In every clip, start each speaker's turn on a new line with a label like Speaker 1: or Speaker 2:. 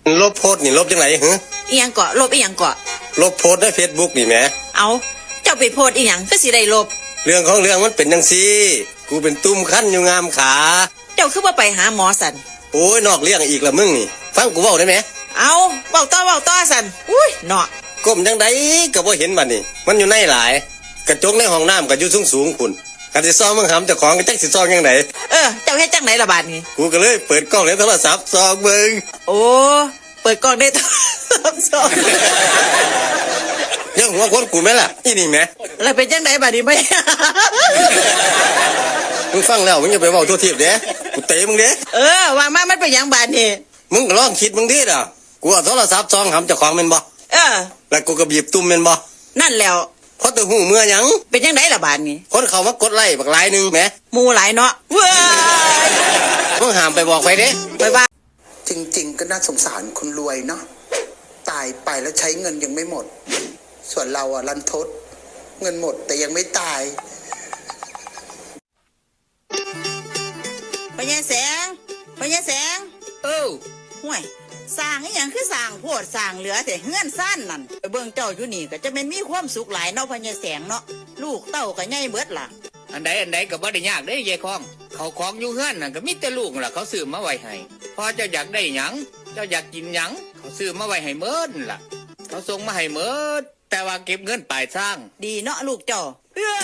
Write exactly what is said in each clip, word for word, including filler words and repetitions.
Speaker 1: ลบโพสต์นี่ลบจังไหนฮะ
Speaker 2: อีหยังเกาะลบอีหยังเกาะ
Speaker 1: ลบโพสต์ใน Facebook นี่แหม
Speaker 2: เอาเจ้าไปโพสต์อีหยังคือสิได้ลบ
Speaker 1: เรื่องของเรื่องมันเป็นจังซี่กูเป็นตุ้มคั้นอยู่งามขา
Speaker 2: เจ้าคือว่าไปหาหมอสัน
Speaker 1: โอ้ยนอกเรื่องอีกละมึงนี่ฟังกูเว้าได้ไหม
Speaker 2: เอาเว้าต่อเว้าต่อสันอุ้ยเนาะ
Speaker 1: ก้มจังไดก็บ่เห็นบัดนี้มันอยู่ในหลายกระจกในห้องน้ำก็อยู่สูงๆพุ่นคันสิซ่อมมึงหำเจ้าของก็จักสิซ่อมจังได
Speaker 2: เออเจ้าเฮ็ดจังไหนล่ะบาดนี้
Speaker 1: กูก็เลยเปิดกล้องในโทรศัพท์ส่องเบิ่ง
Speaker 2: โอ้เปิดกล้องได้โทรศัพท์ส่อง
Speaker 1: ยังหัวคนกูแม่ล่ะอีนี่แม่
Speaker 2: แล้วเป็นจังไดบาดนี้บ่
Speaker 1: มึงฟังแล้วมึงอย่าไปเว้าทั่วทิพย์เด้กูเตะมึงเด้
Speaker 2: เออว่ามามันเป็นหยังบาดนี้
Speaker 1: มึงก็ลองคิดมึงดิล่ะกูเอาโทรศัพท์ส่องหำเจ้าของแม่นบ่
Speaker 2: เออ
Speaker 1: แล้วกูก็บีบตุ้มแม่นบ่
Speaker 2: นั่นแล้ว
Speaker 1: พอตัวหูเมื่อยัง
Speaker 2: เป็นจังไดล่ะบาดนี้
Speaker 1: คนเขามากดไลค์บักหลายนึงแหม
Speaker 2: หมู่หลายเนาะเว้ย
Speaker 1: มึงห้ามไปบอกใครเด้
Speaker 2: ไปว่า
Speaker 3: จริงๆก็น่าสงสารคนรวยเนาะตายไปแล้วใช้เงินยังไม่หมดส่วนเราอะรันทดเงินหมดแต่ยังไม่ตาย
Speaker 2: พญาแสงพญาแสงเออห่วยสร้างอีหยังคือสร้างโพดสร้างเหลือแต่เฮือนซ่านนั่นไปเบิ่งเจ้าอยู่นี่ก็จะเป็นมีความสุขหลายเนาะพญาแสงเนาะลูกเต้าก็ใหญ่เบิดล่ะ
Speaker 4: อันใดอันใดก็บ่ได้ยากเด้ยายคองเขาของอยู่เฮือนน่ะก็มีแต่ลูกล่ะเขาซื้อมาไว้ให้พอเจ้าอยากได้หยังเจ้าอยากกินหยังเขาซื้อมาไว้ให้เมิดล่ะเขาส่งมาให้เมิดแต่ว่าเก็บเงินปลายทาง
Speaker 2: ดีเนาะลูกเจ้า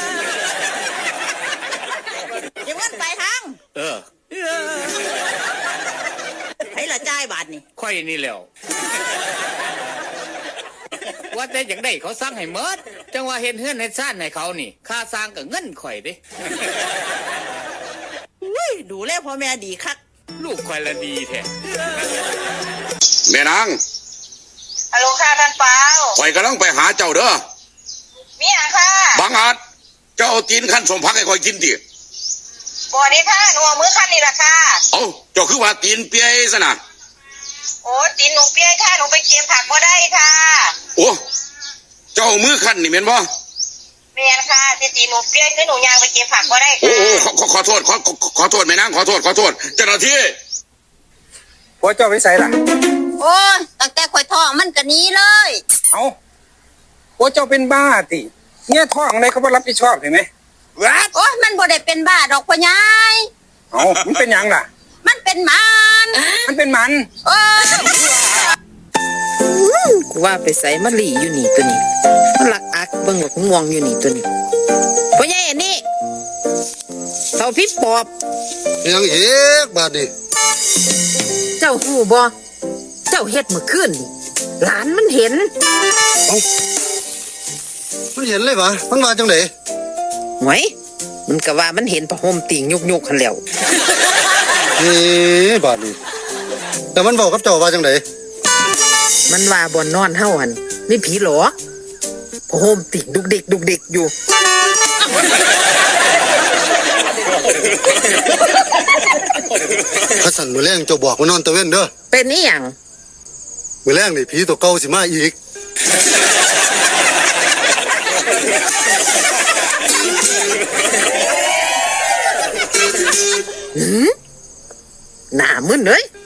Speaker 2: เก็บเงินปลายทาง
Speaker 4: เออ
Speaker 2: ให้ละจ่ายบาทนี่
Speaker 4: ค่อยนี่แล้วว่าแต่อย่างได้เขาสร้างให้เมิดจังว่าเห็นเฮือนเฮ็ดซ่านให้เขานี่ค่าสร้างก็เงินข่อยเด้
Speaker 2: อุ้ยดูแลพ่อแม่ดีคัก
Speaker 4: ลูกข่อยละดีแท้
Speaker 5: แม่นาง
Speaker 6: ฮัลโหลค่ะท่านเปา
Speaker 5: ข่อยกำลังไปหาเจ้าเด้อ
Speaker 6: มีหยังค่ะ
Speaker 5: บางอาจเจ้าเอาตีนขั้นสมพักให้ข่อยกินดิ
Speaker 6: บ่ได้ค่ะหนูเอามือขั้นนี่ล่ะค่ะ
Speaker 5: เอ้าเจ้าคือว่าตีนเปียซะนะ
Speaker 6: โอ้ตีนหนูเปียค่ะหนูไปเก็บผักบ่ได้ค่ะ
Speaker 5: โอ้เจ้ามือขั้นนี่แม่นบ่
Speaker 6: แม่นค่ะที่ตีนหนูเปียคือหนูย่างไปเก็บผักบ่ได้ค่ะ
Speaker 5: โอ้โอ้ขอขอโทษขอขอโทษแม่นางขอโทษขอโทษเจ้าหน้าที่
Speaker 1: ผัวเจ้าไปไสล่ะ
Speaker 7: โอ้ยตั้งแต่ข่อยท้องมันก็หนีเลย
Speaker 1: เอ้าผัวเจ้าเป็นบ้าติเนี่ยท้องในเขาบ่รับผิดชอบเห็นมั้ย
Speaker 7: โอ้ยมันบ่ได้เป็นบ้าดอกพ่อใหญ่
Speaker 1: เอ้ามันเป็นหยังล่ะ
Speaker 7: มันเป็นมัน
Speaker 1: มันเป็นมัน
Speaker 7: เอ
Speaker 2: อว่าไปใส่มะลี่อยู่นี่ตัวนี้มันลักอักเบิ่งบักม่วงอยู่นี่ตัวนี้พ่อใหญ่อันนี้เฒ่าพี่ปอบ
Speaker 8: ยังเฮ็ดบาดนี้
Speaker 2: เจ้าฮู้บ่เจ้าเฮ็ดเมื่อคืนนี่หลานมันเห็น
Speaker 8: เอ้ามันเห็นเลยปะมันว่าจังได๋
Speaker 2: หวยมันก็ว่ามันเห็นผ้าห่มติ่งยุกๆคั่นแล้ว
Speaker 8: นี่บาดนี้แต่มันบอกกับเจ้าว่าจังได๋
Speaker 2: มันว่าบ่นอนเฮาหั่นมีผีหรอผ้าห่มติ่งดุกดิกดุกดิกอยู่
Speaker 8: ข้าสั่นมื้อแลงเจ้าบอกว่านอนตะเว้นเด้อ
Speaker 2: เป็นอีหยัง
Speaker 8: มื้อแลงนี่ผีตัวเก่าสิมาอีก
Speaker 2: หืมหน้ามึนเลย